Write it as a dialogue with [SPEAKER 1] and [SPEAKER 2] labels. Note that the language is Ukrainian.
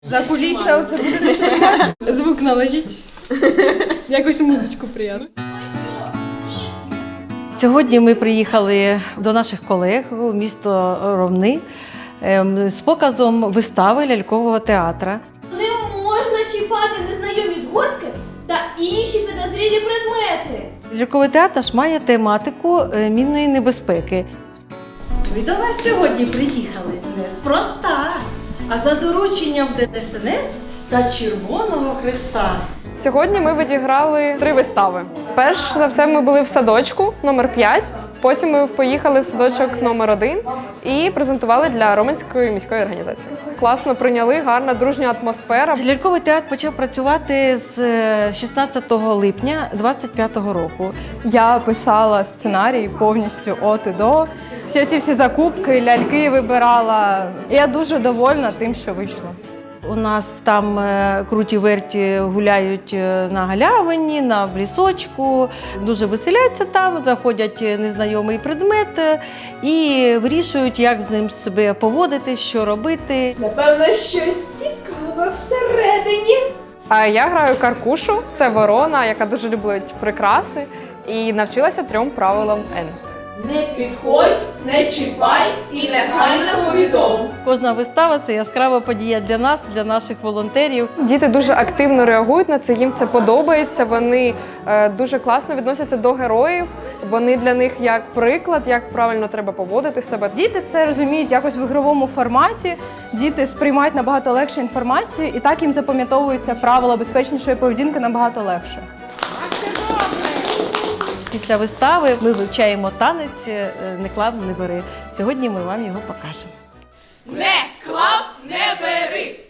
[SPEAKER 1] За кулісся оце буде десь. Звук наложіть. Якось музичку приємно.
[SPEAKER 2] Сьогодні ми приїхали до наших колег у місто Ромни з показом вистави лялькового театру.
[SPEAKER 3] Не можна чіпати незнайомі згортки та інші підозрілі предмети.
[SPEAKER 2] Ляльковий театр має тематику мінної небезпеки.
[SPEAKER 4] Ми до вас сьогодні приїхали неспроста, а за дорученням ДСНС та Червоного Хреста.
[SPEAKER 1] Сьогодні ми відіграли 3 вистави. Перш за все ми були в садочку номер 5, потім ми поїхали в садочок номер 1 і презентували для Роменської міської організації. Класно прийняли, гарна дружня атмосфера.
[SPEAKER 2] Ляльковий театр почав працювати з 16 липня 2025 року.
[SPEAKER 5] Я писала сценарій повністю от і до. Всі закупки, ляльки вибирала. І я дуже довольна тим, що вийшло.
[SPEAKER 2] У нас там круті верті гуляють на галявині, на лісочку, дуже веселяться там, заходять незнайомий предмет і вирішують, як з ним себе поводити, що робити.
[SPEAKER 3] Напевно, щось цікаве всередині.
[SPEAKER 1] А я граю Каркушу, це ворона, яка дуже любить прикраси і навчилася 3 правилам Н.
[SPEAKER 3] Не підходь, не чіпай і негайно повідом.
[SPEAKER 2] Кожна вистава – це яскрава подія для нас, для наших волонтерів.
[SPEAKER 1] Діти дуже активно реагують на це, їм це подобається, вони дуже класно відносяться до героїв, вони для них як приклад, як правильно треба поводити себе.
[SPEAKER 5] Діти це розуміють якось в ігровому форматі, діти сприймають набагато легше інформацію і так їм запам'ятовуються правила безпечнішої поведінки набагато легше.
[SPEAKER 2] Після вистави ми вивчаємо танець «Не клав, не бери». Сьогодні ми вам його покажемо.
[SPEAKER 3] Не клав, не бери.